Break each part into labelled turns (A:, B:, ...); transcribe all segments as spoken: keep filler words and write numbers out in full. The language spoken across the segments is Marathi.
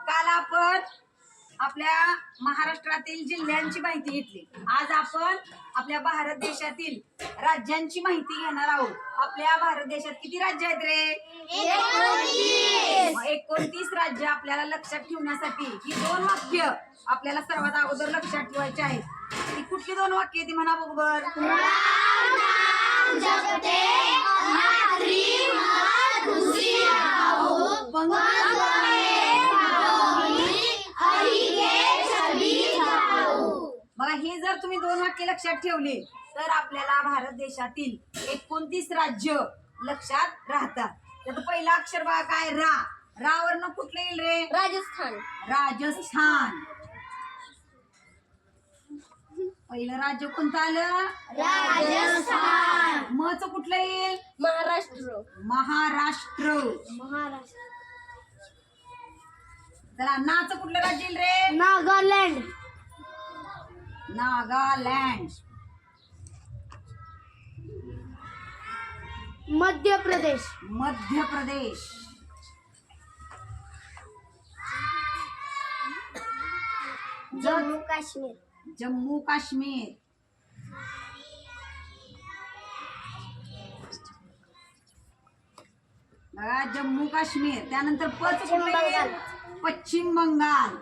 A: काल आपण आपल्या महाराष्ट्रातील जिल्ह्यांची माहिती घेतली. आज आपण आपल्या भारत देशातील राज्यांची माहिती घेणार आहोत. आपल्या भारत देशात किती राज्य आहेत रे? एकोणतीस. एकोणतीस राज्य आपल्याला लक्षात ठेवण्यासाठी ही दोन वाक्य आपल्याला सर्वात अगोदर लक्षात ठेवायची आहेत. ती कुठली दोन वाक्य ती म्हणा बरोबर. बघा हे जर तुम्ही दोन वाक्य लक्षात ठेवले तर आपल्याला भारत देशातील एकोणतीस राज्य लक्षात राहतात. त्याचं पहिलं अक्षर बघा काय रा. रा वरनं कुठलं येईल रे?
B: राजस्थान.
A: राजस्थान. पहिलं राज्य कोणतं आलं?
B: राजस्थान.
A: म च कुठलं येईल?
B: महाराष्ट्र.
A: महाराष्ट्र.
B: महाराष्ट्र.
A: चला ना च कुठलं राज्य येईल रे?
B: नागालँड.
A: नागालँड.
B: मध्य प्रदेश.
A: मध्य प्रदेश.
B: जम्मू काश्मीर.
A: जम्मू काश्मीर. बघा जम्मू काश्मीर. त्यानंतर पच कुठलं येईल? पश्चिम बंगाल.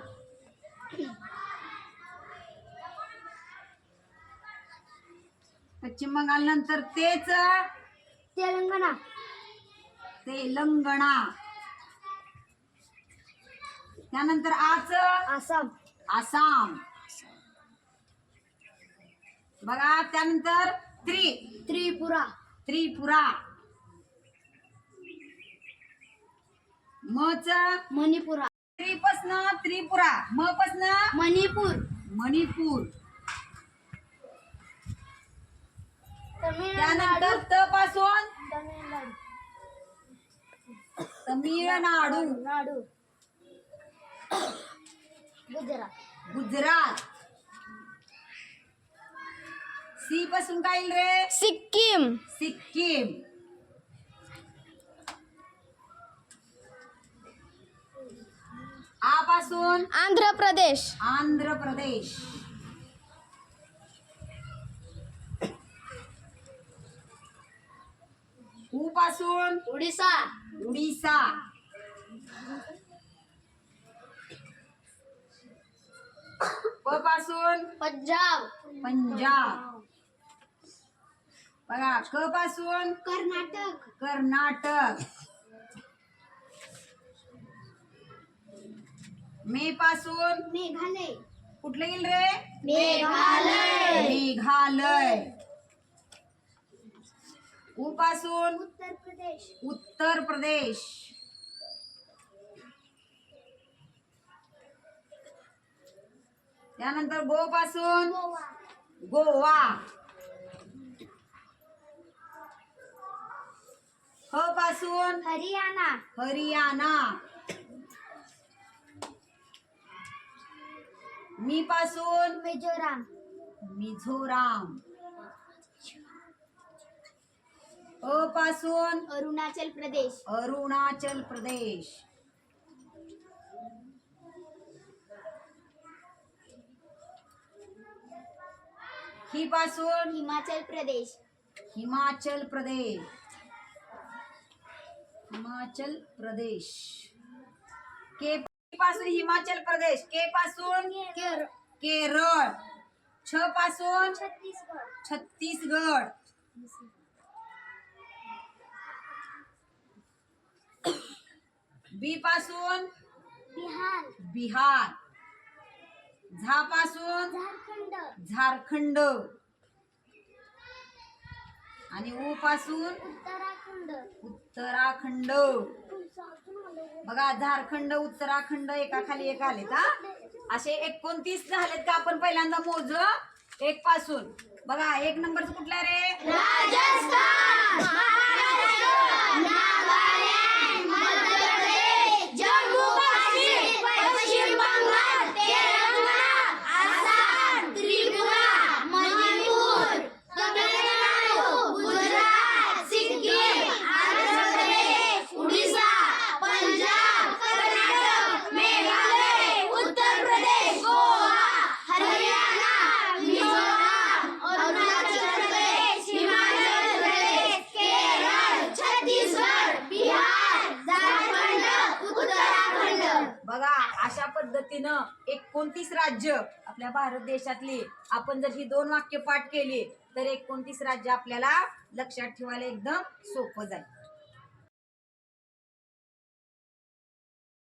A: पश्चिम बंगाल नंतर तेच
B: तेलंगणा.
A: तेलंगणा. त्यानंतर आच
B: आसाम.
A: आसाम. बघा त्यानंतर त्रि
B: त्रिपुरा.
A: त्रिपुरा. म च
B: मणिपुरा.
A: त्रिपसन त्रिपुरा. म पसन
B: मणिपूर.
A: मणिपूर.
B: तमिळनाडू.
A: त्यानंतर त पासून
B: तमिळनाडू.
A: तमिळनाडू.
B: नाडू. गुजरात.
A: गुजरात. सी पासून काय येईल रे?
B: सिक्कीम.
A: सिक्कीम. आ पासून
B: आंध्र प्रदेश.
A: आंध्र प्रदेश. उ पासून
B: उडीसा.
A: उडीसा. प पासून
B: पंजाब.
A: पंजाब. बघा क पासून
B: कर्नाटक.
A: कर्नाटक. मे पासून
B: मेघालय.
A: कुठलं येईल रे?
B: मेघालय.
A: मेघालय. उ पासून
B: उत्तर प्रदेश.
A: उत्तर प्रदेश. त्यानंतर गो पासून
B: गोवा.
A: गोवा. ह पासून
B: हरियाणा.
A: हरियाणा. मी पासून
B: मिझोराम.
A: मिझोराम. अ पासून
B: अरुणाचल प्रदेश.
A: अरुणाचल प्रदेश. ही पासून
B: हिमाचल प्रदेश.
A: हिमाचल प्रदेश. हिमाचल प्रदेश. के पासून हिमाचल प्रदेश. के पासून
B: केरळ.
A: केरळ. छ पासून
B: छत्तीसगड.
A: छत्तीसगड. बी पासून
B: बिहार.
A: बिहार. झा पासून
B: झारखंड.
A: झारखंड. आणि उ पासून
B: उत्तराखंड.
A: उत्तराखंड. बघा झारखंड उत्तराखंड एका खाली एक आलेत. हा असे एकोणतीस झालेत का? आपण पहिल्यांदा मोज एक पासून. बघा एक नंबरचं कुठला रे?
B: राजस्थान.
C: मेघालय
A: बघा अशा पद्धतीनं एकोणतीस राज्य आपल्या भारत देशातली आपण जर ही दोन वाक्य पाठ केली तर एकोणतीस राज्य आपल्याला लक्षात ठेवायला एकदम सोपं जाईल.